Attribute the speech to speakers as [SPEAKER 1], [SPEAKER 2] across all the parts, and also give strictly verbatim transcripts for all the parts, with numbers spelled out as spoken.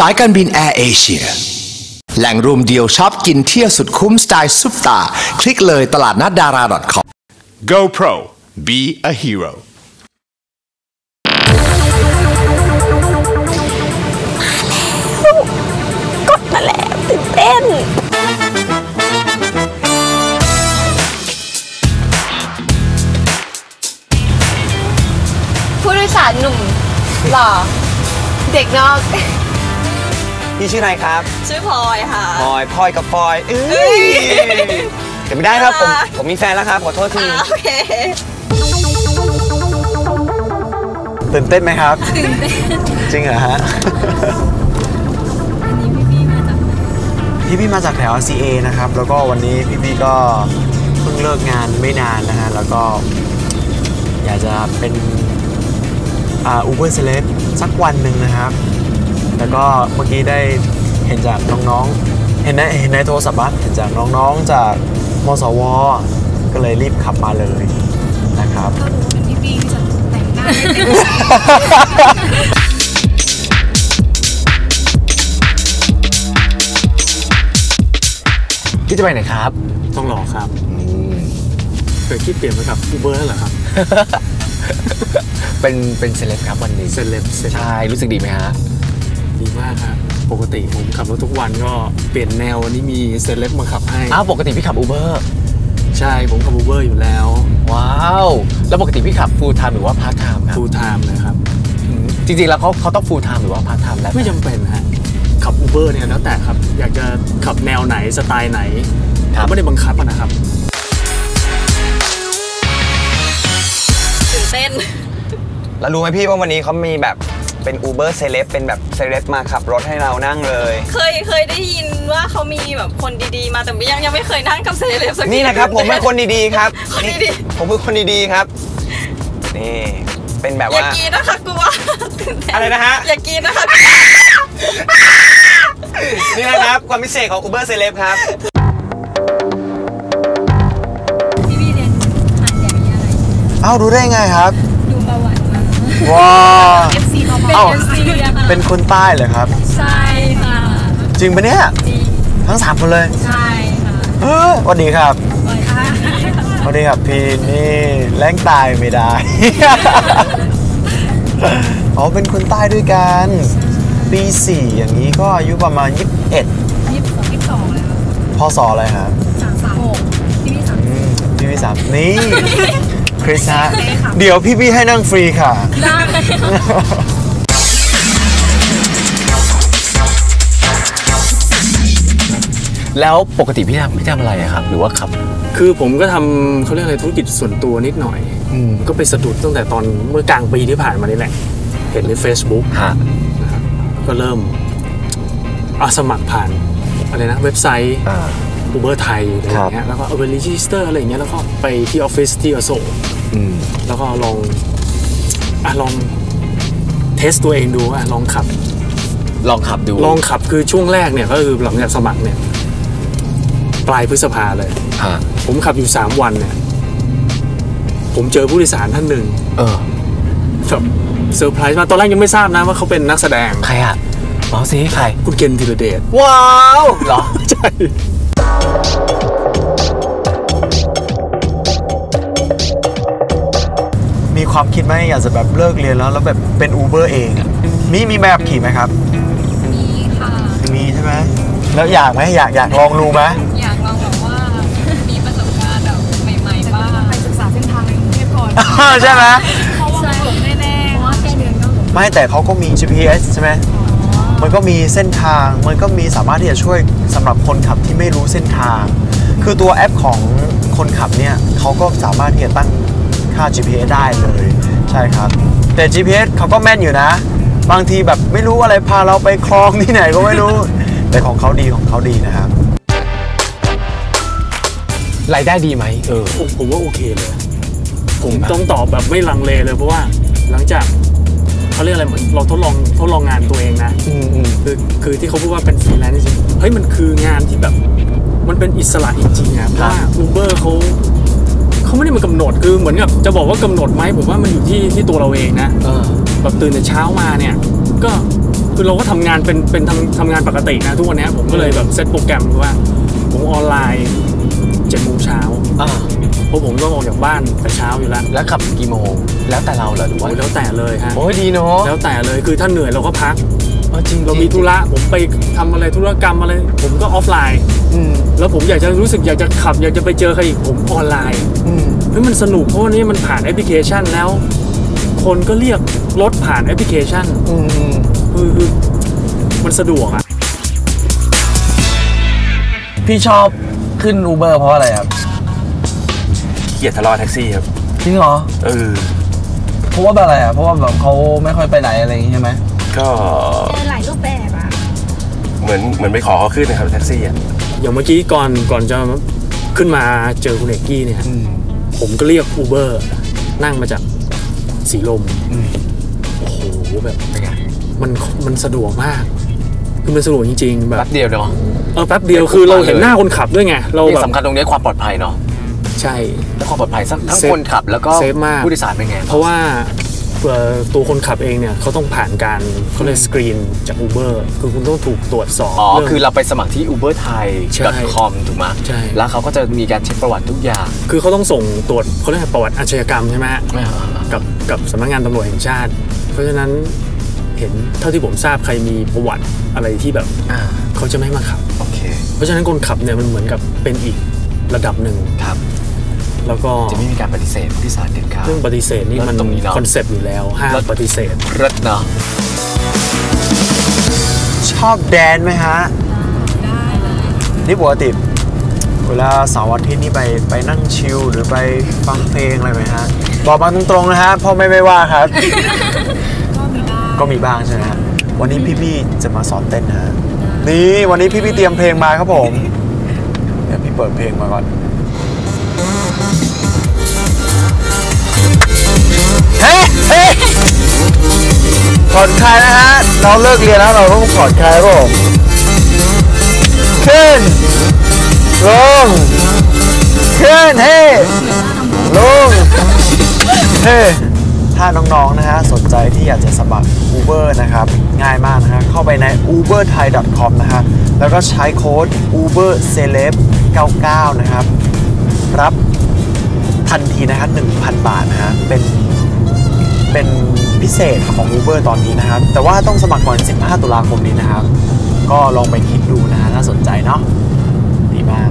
[SPEAKER 1] ายการบินแอร์เอเชียแหล่งรวมเดียวช็อปกินเที่ยวสุดคุ้มสไตล์ซุปตาคลิกเลยตลาดนัดดารา .com
[SPEAKER 2] GoPro Be a Hero
[SPEAKER 3] กดมาแล้วตื่นเต้นผู้โดยสารหนุ่มหล่อเด็กนอก
[SPEAKER 4] พี่ชื่ออะไรครับ
[SPEAKER 3] ชื่อพลอยค่ะ
[SPEAKER 4] พลอยพลอยกับพลอยเอ้ยเดี๋ยวไม่ได้ครับผมผมมีแฟนแล้วครับขอโทษที
[SPEAKER 3] โอเค
[SPEAKER 4] ตื่นเต้นไหมครับตื่นเต้นจริงเหรอฮะ
[SPEAKER 3] อันนี้พี่พี่มาจาก
[SPEAKER 4] พี่พี่มาจากแถว ซี เอ นะครับแล้วก็วันนี้พี่พี่ก็เพิ่งเลิกงานไม่นานนะฮะแล้วก็อยากจะเป็นอ่า Uber Celeb สักวันหนึ่งนะครับแล้วก็เมื่อกี้ได้เห็นจากน้องๆเห็นในเห็นในโทรศัพท์เห็นจากน้องๆจากมสวก็เลยรีบขับมาเลยนะครับ
[SPEAKER 3] ถ้ารู้เป็นพี่พี่จะแต่งหน้า
[SPEAKER 4] พี่จะไปไหนครับ
[SPEAKER 5] ต้องรอครับเคยคิดเปลี่ยนไปกับ Uber แล้วเหรอครับ
[SPEAKER 4] เป็นเป็นเซเลบครับวันนี้
[SPEAKER 5] เซเลบ
[SPEAKER 4] ใช่รู้สึกดีไหมฮะ
[SPEAKER 5] ดีมากครับปกติผมขับรถทุกวันก็เปลี่ยนแนววันนี้มีเซเลบมาขับให้
[SPEAKER 4] อ้าวปกติพี่ขับ Uber
[SPEAKER 5] ใช่ผมขับ Uber อยู่แล้ว
[SPEAKER 4] ว้าวแล้วปกติพี่ขับ full time หรือว่า part time ครับ
[SPEAKER 5] full time เลยครับ
[SPEAKER 4] จริงๆแล้วเขาเขาต้อง full time หรือว่า part time แล้ว
[SPEAKER 5] ไม่จำเป็นฮะขับ Uber เนี่ยแล้วแต่ครับอยากจะขับแนวไหนสไตล์ไหนไม่ได้บังคับนะครับ
[SPEAKER 3] ตื่นเต้น
[SPEAKER 4] แล้วรู้ไหมพี่ว่าวันนี้เขามีแบบเป็น Uber Celeb เป็นแบบเซเลบมาขับรถให้เรานั่งเลย
[SPEAKER 3] เคยเคยได้ยินว่าเขามีแบบคนดีๆมาแต่ยังยังไม่เคยนั่งกับเซเลบสักที
[SPEAKER 4] นี่นะครับผมเป็นคนดีๆครับคนดีๆผมเป็นคนดีๆครับนี่เป็นแบบว่า
[SPEAKER 3] อย่ากินนะคะกลัว
[SPEAKER 4] อะไรนะฮะ
[SPEAKER 3] อย่ากินนะคะ
[SPEAKER 4] นี่นะครับความพิเศษของ Uber Celeb ครับ
[SPEAKER 3] พี่พี่เรียนอ่านอย่างนี้อะไร
[SPEAKER 4] เอ้ารู้ได้ไงครับ
[SPEAKER 3] ดูประวัติมา
[SPEAKER 4] ว้าว
[SPEAKER 3] เอฟ ซี เขาเป็น เอฟ ซี
[SPEAKER 4] เป็นคนใต้เหรอครับ
[SPEAKER 3] ใช่ค่ะ
[SPEAKER 4] จริงปะเนี่ย
[SPEAKER 3] จริง
[SPEAKER 4] ทั้งสามคนเลย
[SPEAKER 3] ใช่ค่ะ
[SPEAKER 4] เออสวัสดีครับสวัสดีครับพี่นี่แรงตายไม่ได้อ๋อเป็นคนใต้ด้วยกันปีสี่อย่างนี้ก็อายุประมาณยี่สิบเอ็ด
[SPEAKER 3] ยี่สิบสองยี่สิบสองแล้ว
[SPEAKER 4] พศอะไรครับ
[SPEAKER 3] สามสามหกพี่พี่สาม
[SPEAKER 4] พี่พี่สามนี่คริสฮะเดี๋ยวพี่พี่ให้นั่งฟรีค่ะ
[SPEAKER 3] ได้
[SPEAKER 4] แล้วปกติพี่ทำพี่ทำอะไรครับหรือว่าขับ
[SPEAKER 5] คือผมก็ทำเขาเรียกอะไรธุรกิจส่วนตัวนิดหน่อยก็ไปสะดุดตั้งแต่ตอนเมื่อกลางปีที่ผ่านมานี่แหละเห็นใน Facebook นะครับก็เริ่มอาสมัครผ่านอะไรนะเว็บไซต์ Uber ไทยอะไรอย่างเงี้ยแล้วก็เอาไปรีจิสเตอร์อะไรอย่างเงี้ยแล้วก็ไปที่ออฟฟิศที่อโศกแล้วก็ลองอ่ะลองเทสตัวเองดูอ่ะลองขับ
[SPEAKER 4] ลองขับดู
[SPEAKER 5] ลองขับคือช่วงแรกเนี่ยก็คือหลังจากสมัครเนี่ยปลายพฤษภาเลยผมขับอยู่สามวันเนี่ยผมเจอผู้โดยสารท่านหนึ่งเออแบบเซอร์ไพรส์มาตอนแรกยังไม่ทราบนะว่าเขาเป็นนักแสดง
[SPEAKER 4] ใครอ่ะบอกสิใคร
[SPEAKER 5] คุณเกณฑ์ธีรเดช
[SPEAKER 4] ว้าวเหรอ
[SPEAKER 5] ใช่
[SPEAKER 4] มีความคิดไหมอยากจะแบบเลิกเรียนแล้วแล้วแบบเป็น Uber เองมีมีแบบขี่ไหมครับ
[SPEAKER 3] มีค่ะ
[SPEAKER 4] มีใช่ไหมแล้วอยากไหมอยากอยากลองดูไหม
[SPEAKER 3] อยากลองแบบว่ามีประสบการณ์แบบใหม่ๆบ้างไปศึกษาเส้นทางในกรุงเทพก่อน
[SPEAKER 4] ใช่ไหม
[SPEAKER 3] เพราะว่าหลงแน่ๆเพราะว่าแค่เดือนก็หลง
[SPEAKER 4] ไม่แต่เขาก็มี จี พี เอส ใช่ไหมมันก็มีเส้นทางมันก็มีสามารถที่จะช่วยสำหรับคนขับที่ไม่รู้เส้นทางคือตัวแอปของคนขับเนี่ยเขาก็สามารถที่จะตั้งค่า จี พี เอส ได้เลยใช่ครับแต่ จี พี เอส เขาก็แม่นอยู่นะบางทีแบบไม่รู้อะไรพาเราไปคลองที่ไหนก็ไม่รู้แต่ของเขาดีของเขาดีนะครับรายได้ดีไหมเออ
[SPEAKER 5] ผมผมว่าโอเคเลยผมต้องตอบแบบไม่ลังเลเลยเพราะว่าหลังจากเขาเรียกอะไรเหมือนเราทดลองทดลองงานตัวเองนะคือคือที่เขาพูดว่าเป็นฟรีแลนซ์จริงเฮ้ยมันคืองานที่แบบมันเป็นอิสระจริงๆนะเพราะว่า Uber เขาเขาไม่ได้มากำหนดคือเหมือนกับจะบอกว่ากำหนดไหมผมว่ามันอยู่ที่ที่ตัวเราเองนะแบบตื่นแต่เช้ามาเนี่ยก็คือเราก็ทำงานเป็นเป็นทำทำงานปกตินะทุกวันนี้ผมก็เลยแบบเซตโปรแกรมว่าผมออนไลน์เจ็ดโมงเช้าเพราะผมต้องออกจากบ้านแต่เช้าอยู่แล้ว
[SPEAKER 4] แล้วขับกี่โมงแล้วแต่เราเหรอหรือว่า
[SPEAKER 5] แล้วแต่เลยฮะ
[SPEAKER 4] โอ้ยดีเนาะ
[SPEAKER 5] แล้วแต่เลยคือถ้าเหนื่อยเราก็พักจริงเรามีธุระผมไปทำอะไรธุรกรรมอะไรผมก็ออฟไลน์แล้วผมอยากจะรู้สึกอยากจะขับอยากจะไปเจอใครอีกผมออนไลน์เฮ้ยมันสนุกเพราะว่านี้มันผ่านแอปพลิเคชันแล้วคนก็เรียกรถผ่านแอปพลิเคชันคือคือมันสะดวกอ่ะ
[SPEAKER 4] พี่ชอบขึ้น Uber เพราะอะไรครับ
[SPEAKER 6] เกลียดทะเลาะแท็กซี่ครับ
[SPEAKER 4] จริงเหรอ
[SPEAKER 6] เออ
[SPEAKER 4] เพราะว่าอะไรอ่ะเพราะว่าแบบเขาไม่ค่อยไปไหนอะไรอย่างงี้ใช่ไหม
[SPEAKER 6] ก็
[SPEAKER 3] หลายรูปแบบอ่ะ
[SPEAKER 6] เหมือนเหมือนไปขอเขาขึ้นนะครับแท็กซี่อ่ะ
[SPEAKER 5] อย่างเมื่อกี้ก่อนก่อนจะขึ้นมาเจอคุณเอกกี้เนี่ยผมก็เรียก Uber นั่งมาจากสีลมโอ้โหแบบมันมันสะดวกมากคือมันสะดวกจริงๆแบบ
[SPEAKER 4] แป๊บเดียวเนาะ
[SPEAKER 5] เออแป๊บเดียวคือเราเห็นหน้าคนขับด้วยไงเราแบบ
[SPEAKER 4] สำคัญตรงนี้ความปลอดภัยเนาะ
[SPEAKER 5] ใช่
[SPEAKER 4] และความปลอดภัยทั้งคนขับแล้วก็ผู้โดยสารเป็นไง
[SPEAKER 5] เพราะว่าตัวคนขับเองเนี่ยเขาต้องผ่านการเขาเรียกสกรีนจาก Uber คือคุณต้องถูกตรวจสอบ
[SPEAKER 4] อ๋อคือเราไปสมัครที่ uber thai dot com ถูกไหม
[SPEAKER 5] ใช่
[SPEAKER 4] แล้วเขาก็จะมีการเช็คประวัติทุกอย่าง
[SPEAKER 5] คือเขาต้องส่งตรวจเขาเรียกประวัติอาชญากรรมใช่ไหมกับกับสำนักงานตำรวจแห่งชาติเพราะฉะนั้นเห็นเท่าที่ผมทราบใครมีประวัติอะไรที่แบบเขาจะไม่มาขับ
[SPEAKER 4] โอเค
[SPEAKER 5] เพราะฉะนั้นคนขับเนี่ยมันเหมือนกับเป็นอีกระดับหนึ่ง
[SPEAKER 4] ครับ
[SPEAKER 5] แล้วก็
[SPEAKER 4] จะไม่มีการปฏิเสธผู้โดยสารเด็ดขาด
[SPEAKER 5] เรื่องปฏิเสธนี่มันคอนเซปต์อยู่แล้วห้ามปฏิเสธ
[SPEAKER 4] รถเนาะชอบแดนไหมฮะ
[SPEAKER 3] ได้เลย
[SPEAKER 4] นี่ปกติเวลาเสาร์อาทิตย์นี่ไปไปนั่งชิลหรือไปฟังเพลงอะไรไหมฮะบอกมาตรงๆนะฮะพ่อไม่ไม่ว่าครับ
[SPEAKER 3] ก็มีบ้าง
[SPEAKER 4] ก็มีบ้างใช่ไหมฮะวันนี้พี่ๆจะมาสอนเต้นนะฮะนี่วันนี้พี่ๆเตรียมเพลงมาครับผมเดี๋ยวพี่เปิดเพลงมาก่อนเฮ้เฮ้ผ่อนคลายนะฮะเราเลิกเรียนแล้วเราต้องผ่อนคลายครับผมขึ้นลงขึ้นเฮ้ลงเฮ้ถ้าน้องๆนะฮะสนใจที่อยากจะสมัคร Uber นะครับง่ายมากนะฮะเข้าไปใน uber thai dot com นะฮะแล้วก็ใช้โค้ด uber celeb เก้าเก้านะครับรับทันทีนะฮะ หนึ่งพัน บาทนะฮะเป็นเป็นพิเศษของ Uber ตอนนี้นะครับแต่ว่าต้องสมัครก่อนสิบห้าตุลาคมนี้นะครับก็ลองไปคิดดูนะฮะน่าสนใจเนาะดีมาก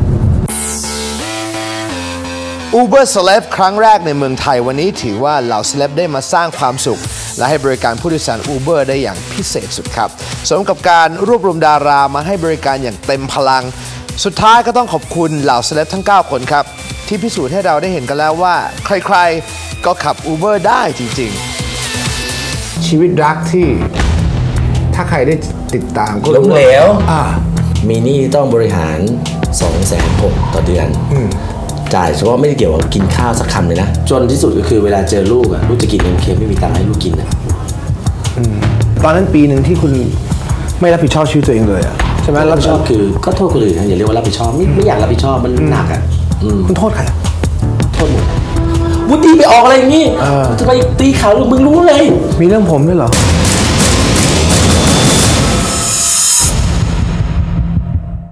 [SPEAKER 1] Uber Celeb ครั้งแรกในเมืองไทยวันนี้ถือว่าเหล่า Celeb ได้มาสร้างความสุขและให้บริการผู้โดยสาร Uber ได้อย่างพิเศษสุดครับสมกับการรวบรวมดารามาให้บริการอย่างเต็มพลังสุดท้ายก็ต้องขอบคุณเหล่า Celeb ทั้งเก้าคนครับที่พิสูจน์ให้เราได้เห็นกันแล้วว่าใครๆก็ขับ Uber ได้จริงๆชีวิตรักที่ถ้าใครได้ติดตามก็
[SPEAKER 7] ล้มเหลวมีหนี้ต้องบริหาร สองแสนหก ต่อเดือนจ่ายเฉพาะไม่ได้เกี่ยวกับกินข้าวสักคำเลยนะจนที่สุดก็คือเวลาเจอลูกอะลูกจะกินเอ็มเคไม่มีตังค์ให้ลูกกินอะ
[SPEAKER 1] ตอนนั้นปีหนึ่งที่คุณไม่รับผิดชอบชีวิตตัวเองเลยอะใช่ไหม
[SPEAKER 7] รับผิดชอบคือก็โทษคนอื่นนะอย่าเรียกว่ารับผิดชอบไม่ไม่อยากรับผิดชอบมันหนักอะ
[SPEAKER 1] คุณโทษใคร
[SPEAKER 7] โทษหมดวุฒิไปออกอะไรอย่างงี้จะไปตีเขาลูกมึงรู้เลย
[SPEAKER 1] มีเรื่องผมด้วยเหรอ